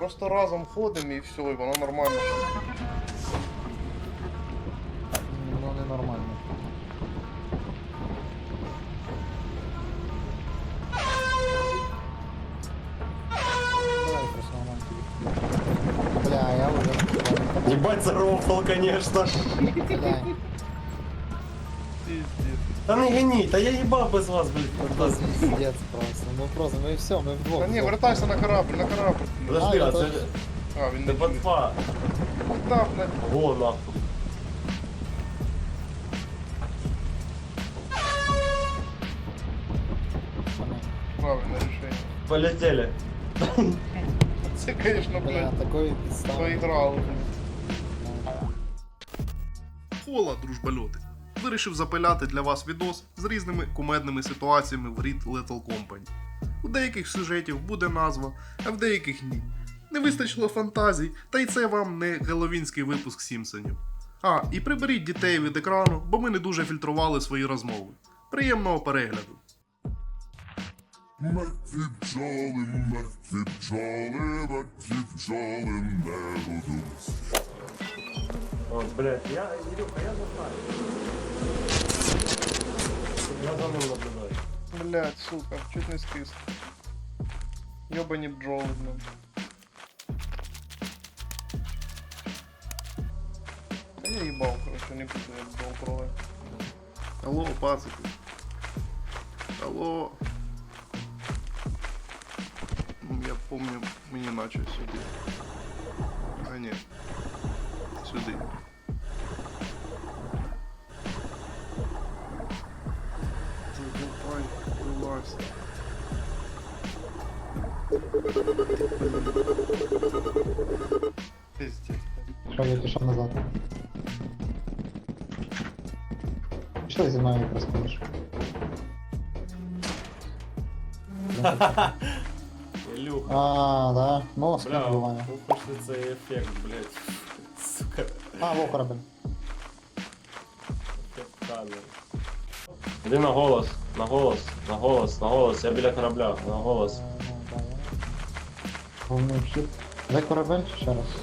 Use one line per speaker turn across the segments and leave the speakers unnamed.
Просто разом ходимо і все, і воно нормально.
Воно ненормально. Давай просто нормально тобі. Бля, я уже...
Ебать зарофал, конечно.
Бля,
Пиздец.
Да не гони, да я ебал без вас, блядь.
это пиздец просто. Ну просто, мы все, мы вдвох.
Та ні, вертайся на корабль, на корабль.
Подожди,
А,
а
это-
це...
А, він
Це
не чує.
ботва.
Да, блядь.
Го, нахуй.
Правильне рішення.
Полетели.
Це, конечно,
Бля,
блядь,
такой підстав.
поіграли.
Хола, дружбальоти. Вирішив запиляти для вас відос з різними кумедними ситуаціями в Read Little Company. У деяких сюжетів буде назва, а в деяких ні. Не вистачило фантазій, та й це вам не геловінський випуск Сімпсонів. А, і приберіть дітей від екрану, бо ми не дуже фільтрували свої розмови. Приємного перегляду!
Мертві бджоли, мертві бджоли не гудуть.
О, блядь, Илюха, я не знаю. Я за ним наблюдаю.
Блядь, сука, чуть не скис. Ёбані бджоли, блядь. Та я їбав, короче, не буду я бджол трогать.
Алло, пацики. Алло. Я помню, мені наче сюди. А ні. Сюди. Давай, вилазь.
Пиздец.
Що, я пішов назад. Що зі мною якраз ходиш?
Илюха.
А, да. Ну, скільки
Бля,
буває.
випишли цей ефект, блядь. Сука.
А, во корабль.
Ефект камери. Іди на голос, на голос, на голос, на голос. Я біля корабля, на голос.
Да, я. Головний вхід. Дай корабель чи ще раз?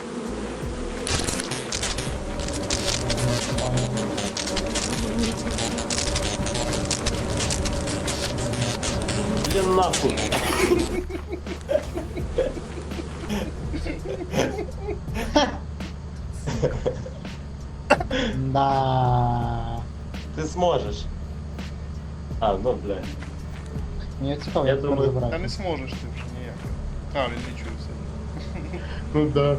Іди нахуй.
Да.
Ти зможеш. А, ну, блядь.
Мені цікаво,
Я
як
думаю,
тепер
Та
забирати.
не зможеш ти вже ніяк. А, він не чує все.
Ну да.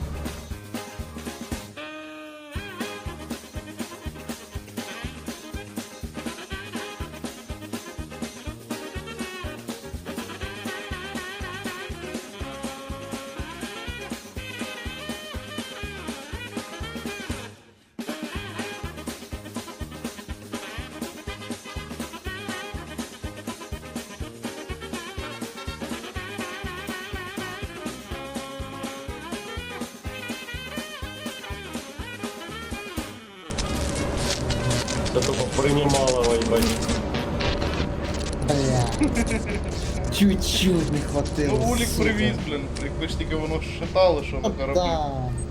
Це тупо приймало, ебать.
Бля. Чуть-чуть не хватило.
Ну, Улік
сука.
привіз, блін. Якби ж тільки воно шатало, що на
От
кораблі.
да.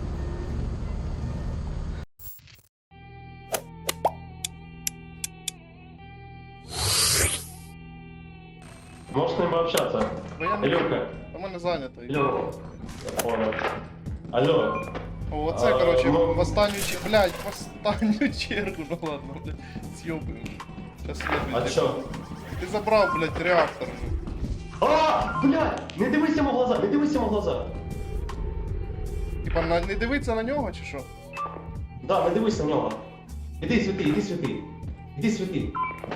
Можешь с ним пообщаться?
Бо я не
Илюха.
У мене зайнято.
Илюха. Понял. Алло.
О, оце,
А,
короче,
ну-
в останню чергу, блядь, в останню чергу, ну ладно, блядь, съебаем. Сейчас
А чё?
Ти забрав, блядь, реактор.
А, блядь! Не дивись йому в глаза, не дивись йому в глаза.
Типа, не дивиться на нього, чи що?
Да, не дивись на нього. Іди світи, іди світи. Іди світи.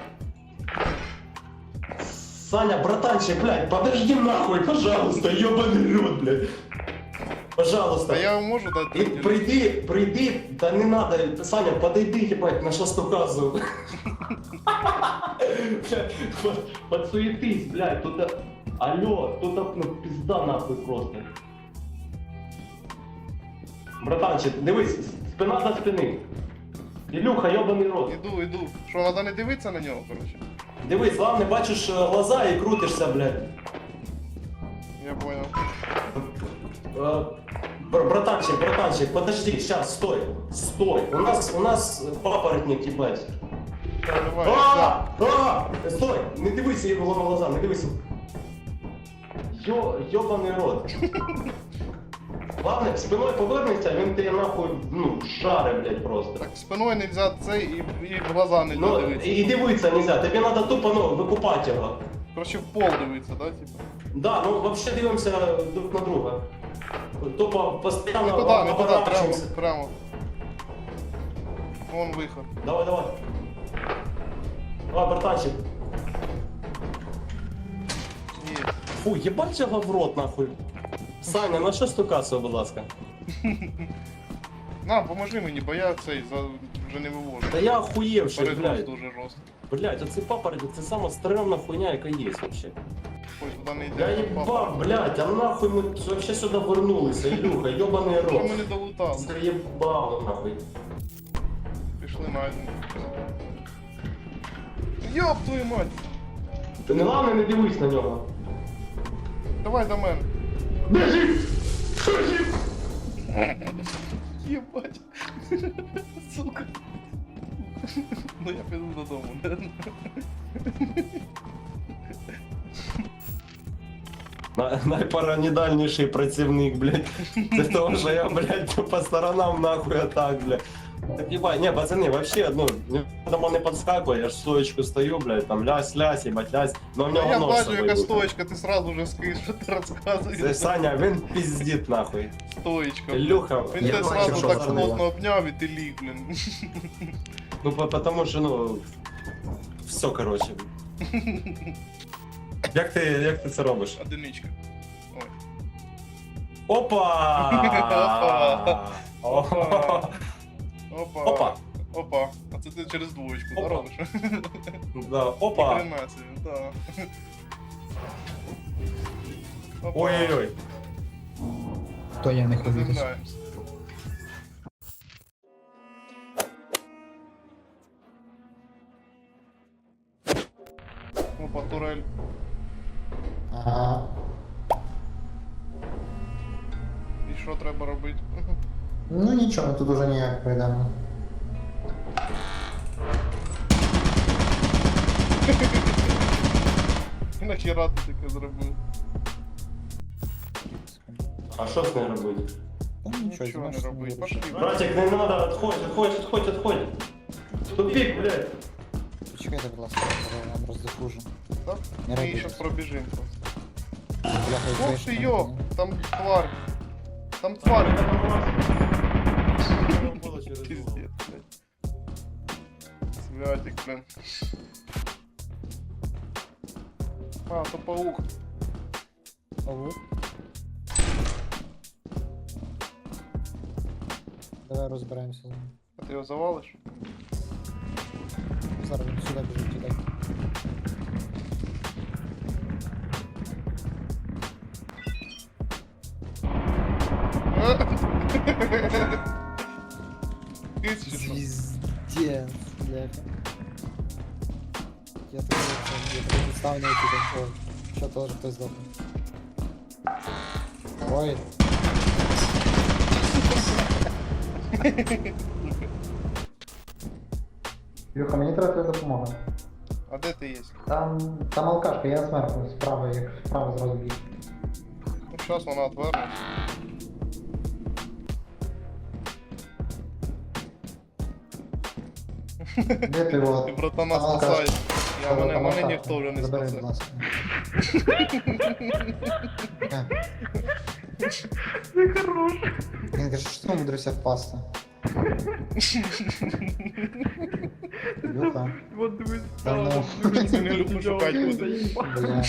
Саня, братанчик, блядь, подожди нахуй, пожалуйста, ёбаный рот, блядь. Пожалуйста.
Та я можу дати.
И прийди, да не надо, Саня, подойди, ебать, на что указываю. Подсуетись, блядь, тут, алло, тут, ну, пизда нахуй просто. Братанчик, дивись, спина до спини. Ілюха, ёбаний рот.
Іду. Що, треба не дивитися на нього, короче?
Дивись, главное, бачиш глаза і крутишся, блядь.
Я понял.
Братанчик, подожди, сейчас, стой. У нас папоротник, ебать.
Давай, да.
Стой, не дивися його в глаза, не дивися. Йобаний рот. Ладно, спиною повернеться, він тебе нахуй, ну, шаре, блядь, просто.
Так спиною нельзя цей і в глаза не
Ну,
дивитися.
і дивитися нельзя, тобі треба тупо, ну, викупати його.
Короче, в пол дивитися, да, типа?
Да, ну, вообще дивимося друг на друга. Тупо
Не
постійно
туди, не туди, прямо,
оборачуємося.
прямо. Вон виход.
Давай. Давай, братанчик.
Є.
Фу, ебать його в рот, нахуй. Саня, на що стукався, будь ласка?
На, поможи мені, бо я цей вже не вивожу.
Та я охуєвший,
Перегруз
блядь.
дуже жорстко.
Блядь, оцей папоротник, це сама стрёмна хуйня, яка є вообще.
Ой, туди не йде.
Я їбав, блядь, а нахуй ми вообще сюди вернулися, Ілюха, йобаний
Що
рот.
ми не долутали?
Заєбало, нахуй.
Пішли на один. Йоп твою мать!
Ти не головне не дивись на нього.
Давай до мене.
Біжи!
Єбать. Сука. Ну я піду додому, да?
Найпаранідальніший працівник, блядь. Це того, що я, блядь, по сторонам нахуй атак, блядь. Так ебать, не, пацаны, вообще, ну, дома не подскакивай, я ж стоечку стою, блядь, там лясь, ебать, лясь, но у
А
нього
я
нос
бачу,
собою
яка
буде.
стоечка, ти сразу вже скинь, що ти
Це
розказуєш.
Саня, він пиздит нахуй.
Стоечка.
Ілюха,
Він
я
тебе
бачу,
сразу
що
так
зробила.
плотно обняв і ти ліг, блін.
ну потому що, ну, все, короче. Як ти це робиш?
Одиничка. Ой.
Опа!
Опа.
Опа!
Опа. А це ти через двоєчку, да,
Опа.
робиш?
Да, опа!
Хрена собі, да. Опа.
Ой-ой-ой.
То я не ходити.
Заземляємося. Опа, турель.
Ага.
І що треба робити?
Ну нічого, ми тут уже ніяк пройдемо.
Нахіра ти таке зробив?
А що з нею робити?
Та
Нічого не робити. Пошли.
Братик, не надо, отходь. Тупик, блядь.
Почекайте, будь ласка, я вам роздохужу.
Так?
Не
Ми
робіть.
зараз пробіжимо просто.
Бляха,
Ох ти йо! Там тварь. Там тварь. Пиздец, блядь. Святик, блин. А, то паук.
Давай розберемося з ним.
А ти його завалиш?
Зараз він сюди біжить, туди.
Киць чи що?
Звіздец, бляха. Я тут ставлю на YouTube. Ой, що теж хтось здохне. Ой, Юха, мені треба твоя допомога.
А де ти є?
Там алкашка, я зверху, справа, як справа зразу біг.
Ну, зараз вона отвернеться.
Де ти його?
Ти, братана,
Там алкашка.
спасай. Мене
алкашка.
ніхто вже не
Забери,
спасе.
будь ласка. Він каже, що ти умудрився впасти? Юха,
Вот дивись,
Та ну.
це не люблю шукати буде.
бля.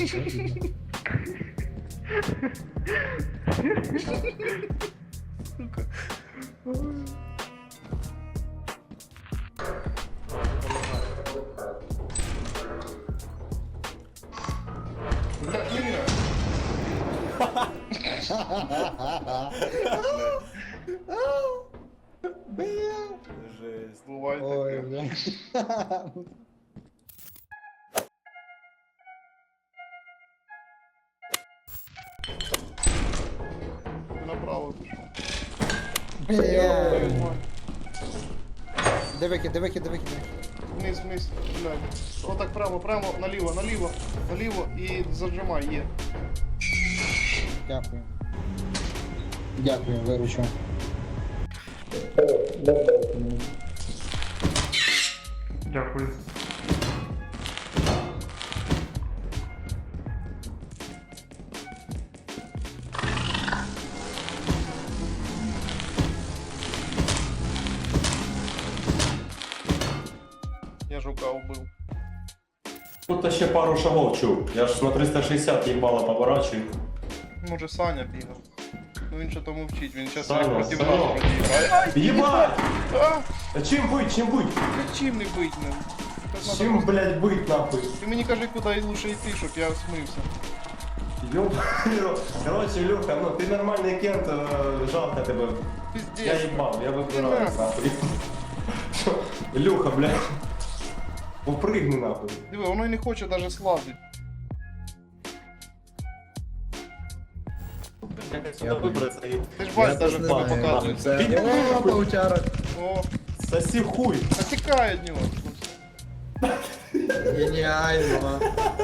Бля, Іра. Буває
Ой,
таке.
бля.
Направо пішов.
Бля.
Твою мать.
Де викид, де викид, де викид?
Вниз, вниз, блядь. Отак прямо, прямо, наліво, наліво, наліво і зажимай, є.
Дякую. Дякую, виручу.
Дякую. Я жука убив.
Тут ще пару шагов чув. Я ж на 360 їбало поворачую.
Може Саня бігав. Ну він що то мовчить, він зараз
Саня,
проти
Саня.
нас продіє.
Єбать!
А!
А чим быть, чим быть?
Як чим не бить ним? Так надо
Чим,
просто-
блядь, быть нахуй?
Ти мені кажи, куди лучше йти, щоб я смився.
Ёб... Короче, Илюха, ну ты нормальный кент, жалко тебе.
Пиздец.
Я ебал, я выбираюсь
Да.
нахуй. Илюха, блядь. Упрыгни нахуй.
Диви, воно й не хоче навіть слазити.
Як сюди вибратися і...
Ти ж бачиш, навіть в тебе
знаю.
показується.
Піди нахуй.
паучара.
О,
Соси хуй.
а тікає від нього.
Геніально.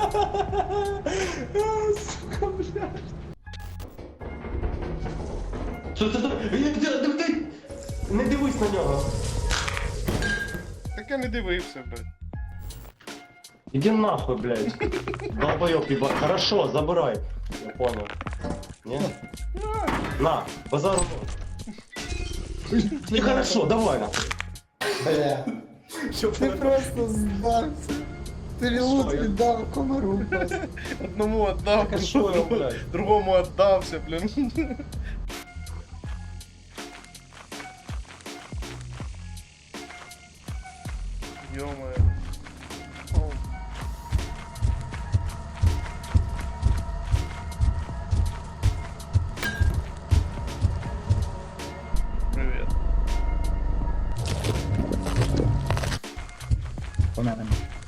Що це? Не дивись на нього.
Так я не дивився, блядь.
Иди нахуй, блядь. Долбоёб, ебать. Хорошо, забирай. Я понял. Не? На, базару. Нехорошо, давай нахуй.
Бля. Ти просто здався. Ти лут віддав комару просто.
Одному віддав,
Так а що я, блядь?
другому віддався, блін. Ё-моё. О. Привет.
Померемо.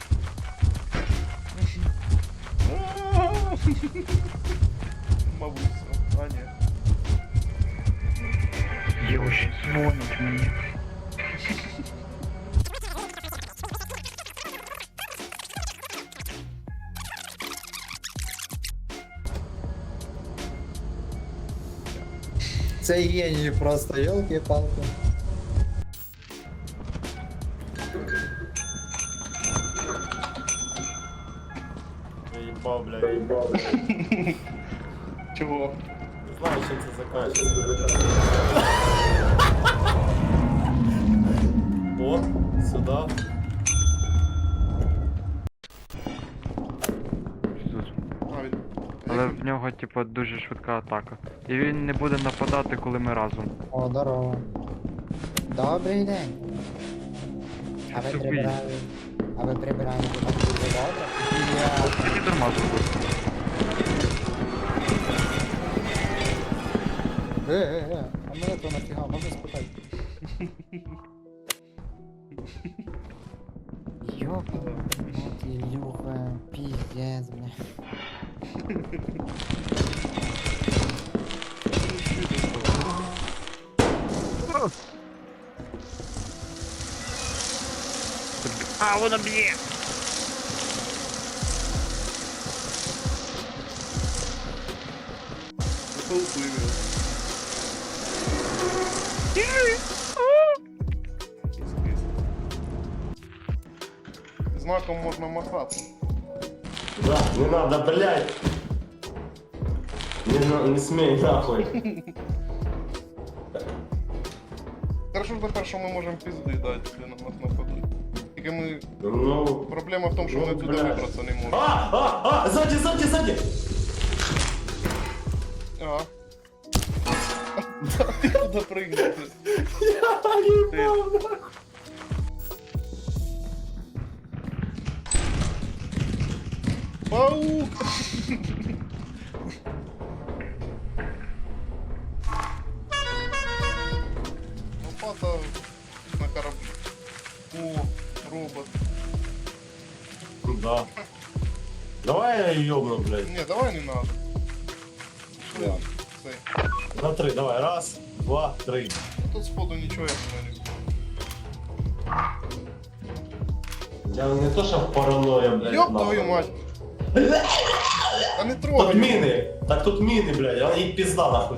Мабуть, все. А, ні.
Дівчі, дзвонить мені. Це геній просто, ёлки-палки.
Я ебал, блядь, я ебал.
Чого?
Не знаю, чем это заканчивается. О, сюда.
А, він...
Але в нього, типу, дуже швидка атака. І він не буде нападати, коли ми разом.
О, здорово. Добрий день. А ви
Тупий.
прибирали. А ви прибирали тут так дуже добре? Я...
Тільки дарма зробив.
А мене то нафіга, можна спитати? Ёпа, вот Илюха, пиздец, бля.
А, воно б'є!
Попливе. Знаком можна махати.
Да, не надо, блядь. Не смей нахуй.
Хорошо ж тепер, що ми можемо пізди дати для нас на ходу. Тільки ми...
Ну...
Проблема в тому, що ми
Ну,
туди
блядь.
вибратися не можемо.
Сзади, сзади, сзади!
Ага. Ти куди пригнути?
Я ебал, нахуй.
Паук! Лопата на кораблі. О, робот.
Да. Давай я ёбну, блядь.
Не, давай не надо. Пішли. Цей.
На 3, давай. Раз, два, 3.
Тут сходу нічого я не люблю.
Я не то, що паранойя, блядь.
Ёб
нахуй.
твою мать! Та не
Тут
трогай!
міни. Так тут міни, блядь, а їх пизда нахуй.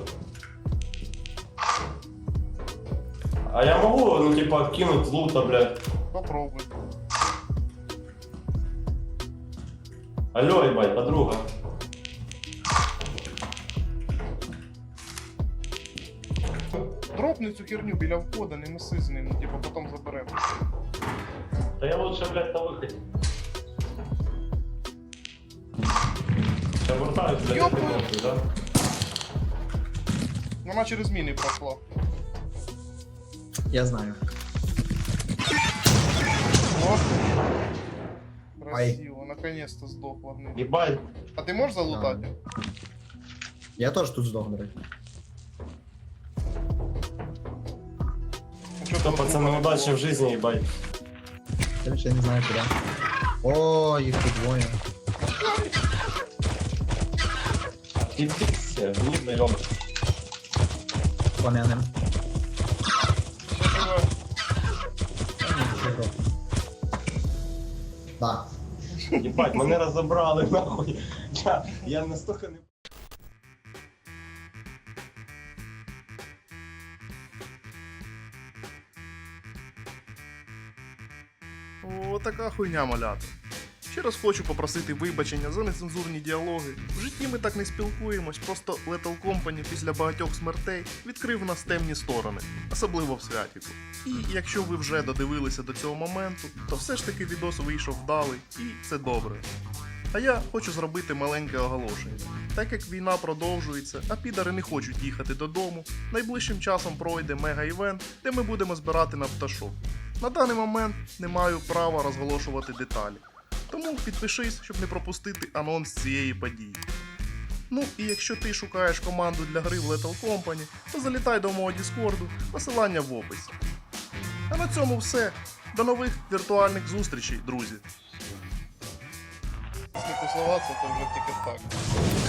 А я могу, ну типа, кинуть лута, блядь.
Попробуй.
Алло, ебать, подруга.
Дропни цю херню біля входа, не неси з ним, ну типа потім заберемо.
Да я лучше, блядь, на выходе. Я вертаюсь, блядь,
Ёб
этой
твою-
нахуй, да?
Вона через міни пройшла.
Я знаю.
О! Красиво, наконец-то здохла. блин.
Ебать.
А ти можеш залутати?
Я тоже тут сдох, блядь.
Ну, чё
Что,
ты
пацаны,
лутати?
удачи в жизни, ебать.
Короче, я не знаю куда. О, их тут двое.
Иди все, не даем.
Пламенным.
Все живе.
Да.
Ебать, мене розібрали, нахуй. Я настолько не...
О, така хуйня, малята. Ще раз хочу попросити вибачення за нецензурні діалоги. В житті ми так не спілкуємось, просто Lethal Company після багатьох смертей відкрив нас темні сторони, особливо в святіку. І якщо ви вже додивилися до цього моменту, то все ж таки відос вийшов вдалий, і це добре. А я хочу зробити маленьке оголошення. Так як війна продовжується, а підари не хочуть їхати додому, найближчим часом пройде мега-івент, де ми будемо збирати на пташок. На даний момент не маю права розголошувати деталі. Тому підпишись, щоб не пропустити анонс цієї події. Ну і якщо ти шукаєш команду для гри в Lethal Company, то залітай до мого Діскорду, посилання в описі. А на цьому все. До нових віртуальних зустрічей, друзі!
Якщо тусуватися, то вже тільки так.